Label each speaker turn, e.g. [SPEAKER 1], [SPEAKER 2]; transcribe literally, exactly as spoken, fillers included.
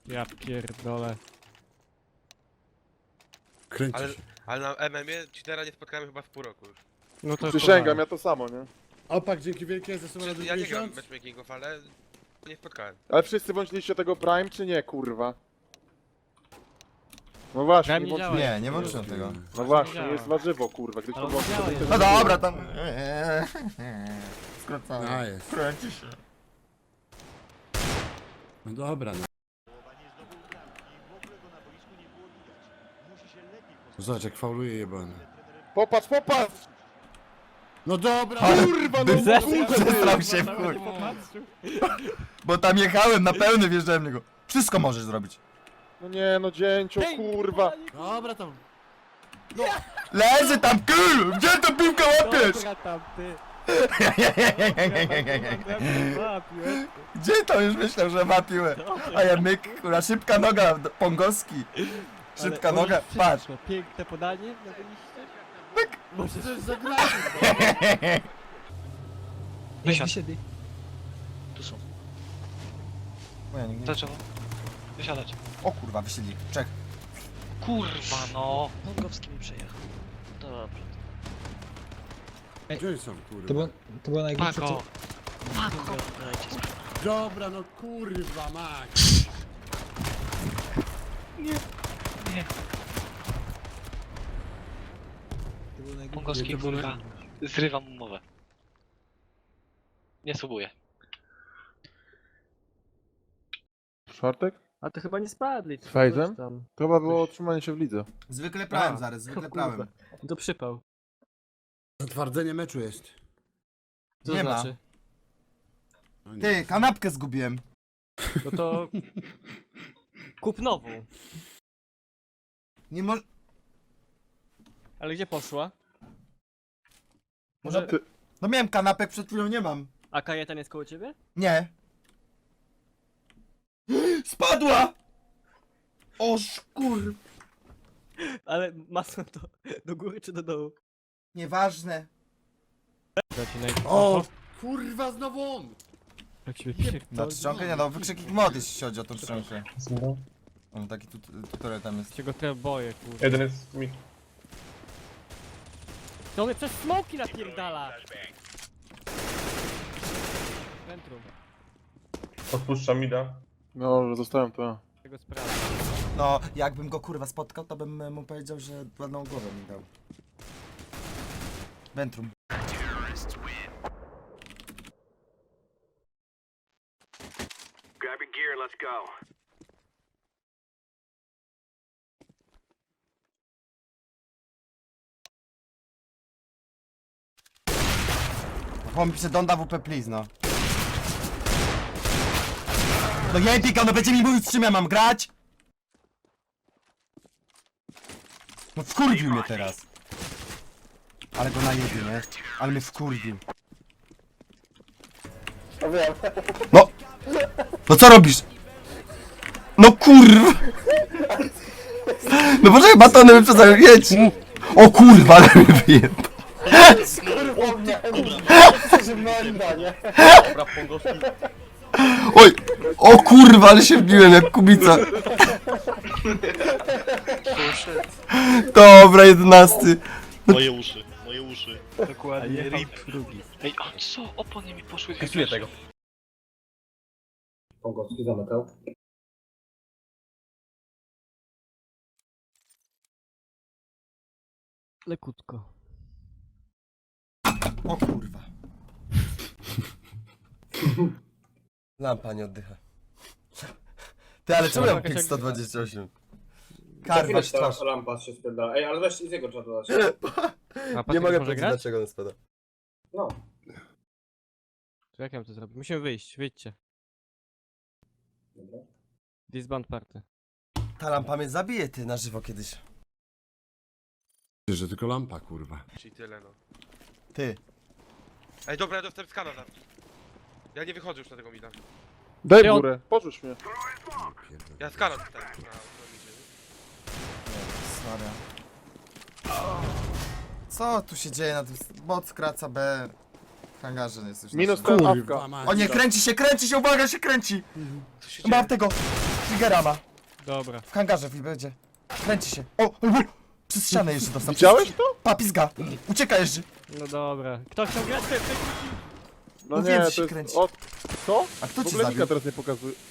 [SPEAKER 1] Ja pierdolę.
[SPEAKER 2] Kręci
[SPEAKER 3] Ale,
[SPEAKER 2] się.
[SPEAKER 3] ale na M M ie cheatera nie spotkałem chyba w pół roku już.
[SPEAKER 1] No to
[SPEAKER 4] Przysięgam, ja to samo, nie?
[SPEAKER 2] Opak, dzięki wielkie, ze sobą
[SPEAKER 3] Czy,
[SPEAKER 2] razy
[SPEAKER 3] ja nie gram
[SPEAKER 2] miesiąc.
[SPEAKER 3] matchmakingów, ale nie spotkałem.
[SPEAKER 4] Ale wszyscy włączyliście tego Prime, czy nie, kurwa? No właśnie,
[SPEAKER 1] Prime
[SPEAKER 4] nie
[SPEAKER 1] nie
[SPEAKER 4] włączyliście.
[SPEAKER 1] działa.
[SPEAKER 5] Nie, nie włączyłem tego.
[SPEAKER 4] No właśnie,
[SPEAKER 1] działa.
[SPEAKER 4] jest warzywo, kurwa, gdyś
[SPEAKER 1] Ale
[SPEAKER 4] to włączył, to
[SPEAKER 1] działa
[SPEAKER 4] by
[SPEAKER 1] jest.
[SPEAKER 4] to
[SPEAKER 5] No
[SPEAKER 4] nie
[SPEAKER 5] dobra, tam... Skracamy.
[SPEAKER 2] A jest.
[SPEAKER 5] Kręci się.
[SPEAKER 2] No dobra, no. Zobacz, jak fauluje jebany.
[SPEAKER 4] Popatrz, popatrz!
[SPEAKER 2] No dobra!
[SPEAKER 4] Kurwa, no
[SPEAKER 1] Zes-
[SPEAKER 4] kurwa!
[SPEAKER 5] Przestrał się w chuj. Bo tam jechałem na pełny, wjeżdżałem w niego. Wszystko możesz zrobić.
[SPEAKER 4] No nie, no dzięcio, kurwa!
[SPEAKER 2] Dobra tam.
[SPEAKER 5] Leży tam, kul! Gdzie tą piłkę łapiesz?
[SPEAKER 1] Dobra tam, ty.
[SPEAKER 5] Gdzie to już myślał, że ma piłę? A ja myk, kurwa, szybka noga, d- Pongowski. Szybka
[SPEAKER 1] Ale
[SPEAKER 5] noga,
[SPEAKER 1] możesz
[SPEAKER 5] patrz.
[SPEAKER 1] wszystko. Piękne podanie na liście.
[SPEAKER 2] Może coś zagrać.
[SPEAKER 6] Wysiadł. Tu są.
[SPEAKER 5] O, ja nie- nie-
[SPEAKER 6] Dlaczego? Wysiadać.
[SPEAKER 5] O kurwa, wysiedli. Czek.
[SPEAKER 6] Kurwa no! Pongowski mi przejechał. Dobra.
[SPEAKER 2] Gdzie oni są,
[SPEAKER 7] To
[SPEAKER 2] kurwa?
[SPEAKER 7] było, to było najgorsze,
[SPEAKER 6] Pako!
[SPEAKER 7] co...
[SPEAKER 6] Pako! Dajcie spokój.
[SPEAKER 2] Dobra, no kurwa, mać.
[SPEAKER 6] Nie.
[SPEAKER 7] To było najgorsze.
[SPEAKER 6] Pongowski
[SPEAKER 2] Nie, to było-
[SPEAKER 6] kurwa. Zrywam umowę. Nie subuję.
[SPEAKER 4] Czwartek?
[SPEAKER 1] A to chyba nie spadli.
[SPEAKER 4] Z Fejzem?
[SPEAKER 1] coś tam.
[SPEAKER 4] To chyba było otrzymanie się w lidze.
[SPEAKER 5] Zwykle prałem,
[SPEAKER 1] A,
[SPEAKER 5] zaraz, zwykle
[SPEAKER 1] o kurwa.
[SPEAKER 5] prałem.
[SPEAKER 1] To przypał.
[SPEAKER 2] Zatwardzenie meczu jest.
[SPEAKER 1] Co
[SPEAKER 5] Nie
[SPEAKER 1] to
[SPEAKER 5] ma.
[SPEAKER 1] znaczy?
[SPEAKER 2] No nie.
[SPEAKER 5] Ty, kanapkę zgubiłem.
[SPEAKER 1] No to... Kup nową.
[SPEAKER 5] Nie mo...
[SPEAKER 1] Ale gdzie poszła?
[SPEAKER 5] Może...
[SPEAKER 4] Ty,
[SPEAKER 5] No miałem kanapek, przed chwilą nie mam.
[SPEAKER 1] A kajetan jest koło ciebie?
[SPEAKER 5] Nie. Spadła! O szkur...
[SPEAKER 1] Ale masło to do góry czy do dołu?
[SPEAKER 5] Nieważne.
[SPEAKER 2] O, kurwa, znowu on!
[SPEAKER 1] Jak się
[SPEAKER 5] Na czcionkę? Nie no, wykrzyknik mod, jeśli chodzi o tą czcionkę. On taki tut tutorial tam jest.
[SPEAKER 1] się go trochę boję, kurwa.
[SPEAKER 8] Jeden jest mi.
[SPEAKER 1] To mnie przez smoki napierdala! Centrum.
[SPEAKER 8] Odpuszczam mida.
[SPEAKER 4] no, zostałem to.
[SPEAKER 1] Tego sprawy.
[SPEAKER 5] No, jakbym go kurwa spotkał, to bym mu powiedział, że ładną głowę mi dał. Ventrum. Chłop mi pisze, don't W P please, no. No nie pika, no będzie mi mówić, z czym ja mam grać? No wkurwił mnie teraz. Ale go najebie, nie? Ale mnie wkurwił. No! No co robisz? No kurwa! No poczekaj, batony wyprzedzają, jedź! O kurwa, ale mnie wyjebał.
[SPEAKER 3] Dobra, Pongowski.
[SPEAKER 5] Oj! O kurwa, ale się wbiłem jak kubica. Dobra, jedenasty.
[SPEAKER 9] Moje uszy, moje uszy.
[SPEAKER 1] Dokładnie. Rip drugi.
[SPEAKER 6] Ej, a co? Opony mi poszły.
[SPEAKER 3] Kasuję tego.
[SPEAKER 8] Pongowski zamykał.
[SPEAKER 1] Lekutko.
[SPEAKER 5] O kurwa. Lampa nie oddycha. Ty, ale czemu ja mam pik sto dwadzieścia osiem? Karwa twarz.
[SPEAKER 8] Lampa się sprzeda. Ej, ale weź z jego czatu dać.
[SPEAKER 1] A
[SPEAKER 5] Nie mogę
[SPEAKER 1] może
[SPEAKER 5] powiedzieć,
[SPEAKER 1] grać?
[SPEAKER 5] dlaczego on spada.
[SPEAKER 8] No.
[SPEAKER 1] To jak ja mam to zrobić? Musimy wyjść, wyjdźcie.
[SPEAKER 8] Dobra.
[SPEAKER 1] Disband party.
[SPEAKER 5] Ta lampa mnie zabije, ty, na żywo kiedyś.
[SPEAKER 2] Że tylko lampa, kurwa.
[SPEAKER 3] Czyli tyle, no.
[SPEAKER 5] Ty.
[SPEAKER 3] Ej, dobra, ja dostałem skana tam. Ja nie wychodzę już na tego mida.
[SPEAKER 4] Daj
[SPEAKER 1] Ty on-
[SPEAKER 4] górę, porzuć mnie.
[SPEAKER 3] Ja skana dostałem na, na midzie.
[SPEAKER 5] Sorry. Co tu się dzieje na tym... Bot skraca B. W hangarze jest już
[SPEAKER 4] Minus
[SPEAKER 5] naszym.
[SPEAKER 4] ten
[SPEAKER 2] Kurwa,
[SPEAKER 4] awka.
[SPEAKER 2] mać.
[SPEAKER 5] O nie, kręci się, kręci się, uwaga, się kręci!
[SPEAKER 3] Co się
[SPEAKER 5] Mam
[SPEAKER 3] dzieje?
[SPEAKER 5] tego! Fligera ma.
[SPEAKER 1] Dobra.
[SPEAKER 5] W hangarze będzie. Kręci się. O! Przez ścianę jeszcze dostał.
[SPEAKER 4] Widziałeś to?
[SPEAKER 5] Pa, pizga. Ucieka jeszcze.
[SPEAKER 1] No dobra. Kto chciał grać? Ty, ty.
[SPEAKER 4] No
[SPEAKER 5] Mówiłem,
[SPEAKER 4] nie,
[SPEAKER 5] że się
[SPEAKER 4] to jest...
[SPEAKER 5] kręci.
[SPEAKER 4] O, co?
[SPEAKER 5] A kto
[SPEAKER 4] W
[SPEAKER 5] ci
[SPEAKER 4] ogóle
[SPEAKER 5] zabił?
[SPEAKER 4] Nika teraz nie pokazuje.